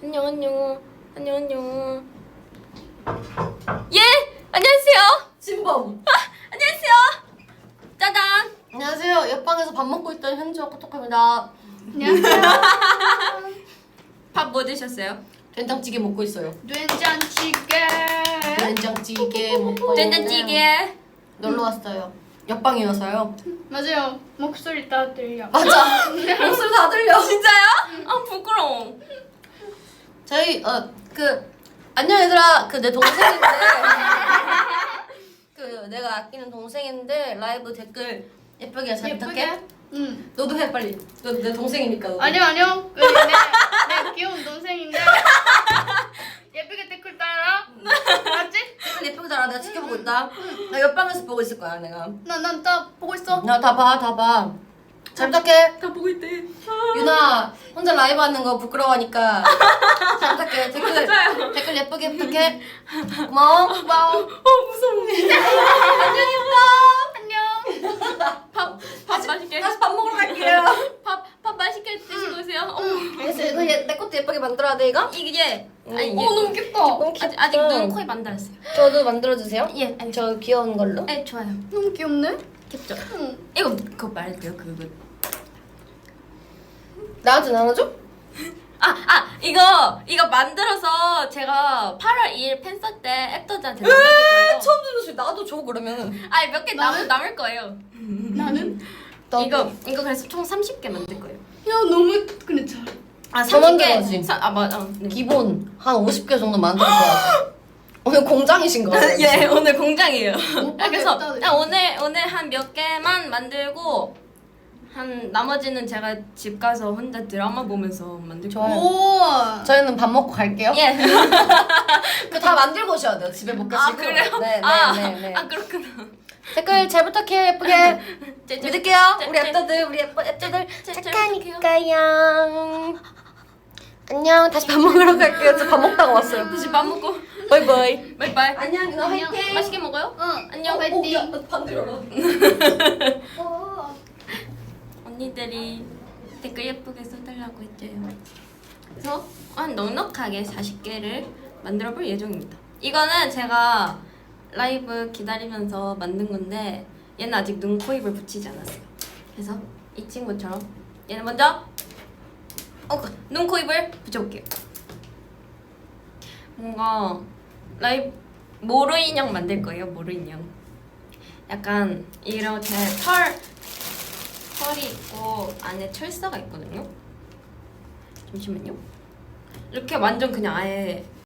안녕 안녕 안녕 안녕. 예 안녕하세요. 진범. 안녕하세요. 짜잔. 안녕하세요. 옆방에서 밥 먹고 있던 현지와 코톡합니다. 안녕하세요. 밥 뭐 드셨어요? 된장찌개 먹고 있어요. 된장찌개. 된장찌개 먹고 된장찌개. 놀러 왔어요. 옆방이어서요. 맞아요. 목소리 다 들려. 맞아. 목소리 다 들려. 진짜요? 아 부끄러워. 저희 안녕 얘들아. 내 동생인데 내가 아끼는 동생인데 라이브 댓글 예쁘게 잘 부탁해. 응. 너도 해 빨리. 너 내 동생이니까. 너도. 아니요. 내 귀여운 동생인데 예쁘게 댓글 달아. 알았지? 댓글 예쁘게 달아. 내가 지켜보고 있다. 나 옆방에서 보고 있을 거야 내가. 난다 보고 있어. 나 다 봐. 잘 부탁해. 다 보고 있대. 유나 혼자 라이브 하는 거 부끄러워하니까 잘 부탁해. 댓글 예쁘게 부탁해. 고마워. 무서워. 안녕. 밥 맛있게. 다시 밥 먹으러 갈게요. 밥 맛있게 드시고 오세요. 알겠어. 이거 내 것도 예쁘게 만들어야 돼 이거? 이게 아니 너무 귀엽다. 너무 아직 눈, 코에 만들었어요. 저도 만들어주세요. 예, 저 귀여운 걸로. 네, 좋아요. 너무 귀엽네. 귀엽죠? 응. 이거 그거 말할게요. 그거. 나한테 나눠줘? 이거 만들어서 제가 8월 2일 팬서 때 앱도자한테 나눠줄 거예요. 처음 듣는 소리. 나도 줘 그러면. 아니 몇 개 남을 거예요. 나는? 이거 그래서 총 30개 만들 거예요. 야 너무 근데 잘. 아 더 만들어야지. 맞아. 네. 기본 한 50개 정도 만들어줘야지. 오늘 공장이신 거예요? 예, 오늘 공장이에요. 오빠 그래서 됐다. 오늘 한 몇 개만 만들고 한 나머지는 제가 집 가서 혼자 드라마 보면서 만들 거예요. 좋아요. 오. 저희는 밥 먹고 갈게요. 예. 그 다 만들고 오셔야 돼요. 집에 못 가시고. 그래요? 네. 그렇구나. 댓글 잘 부탁해. 예쁘게. 믿을게요. 우리 네. 앱터들, 우리 앱터들 잘 착하니까요. 안녕. 다시 밥 먹으러 갈게요. 저 밥 먹다가 왔어요. 다시 밥 먹고 바이바이. 바이바이. 안녕. 너 안녕. 화이팅. 맛있게 먹어요. 응. 안녕. 화이팅. 반대로. 언니들이 댓글 예쁘게 써달라고 했죠요. 그래서 한 넉넉하게 40개를 만들어 볼 예정입니다. 이거는 제가 라이브 기다리면서 만든 건데 얘는 아직 눈, 코, 입을 붙이지 않았어요. 그래서 이 친구처럼 얘는 먼저 눈, 코, 입을 붙여볼게요. 뭔가 라이브 모루 인형 만들 거예요. 모루 인형. 약간 이렇게 털이 있고 안에 철사가 있거든요. 잠시만요. 이렇게 완전 그냥 아예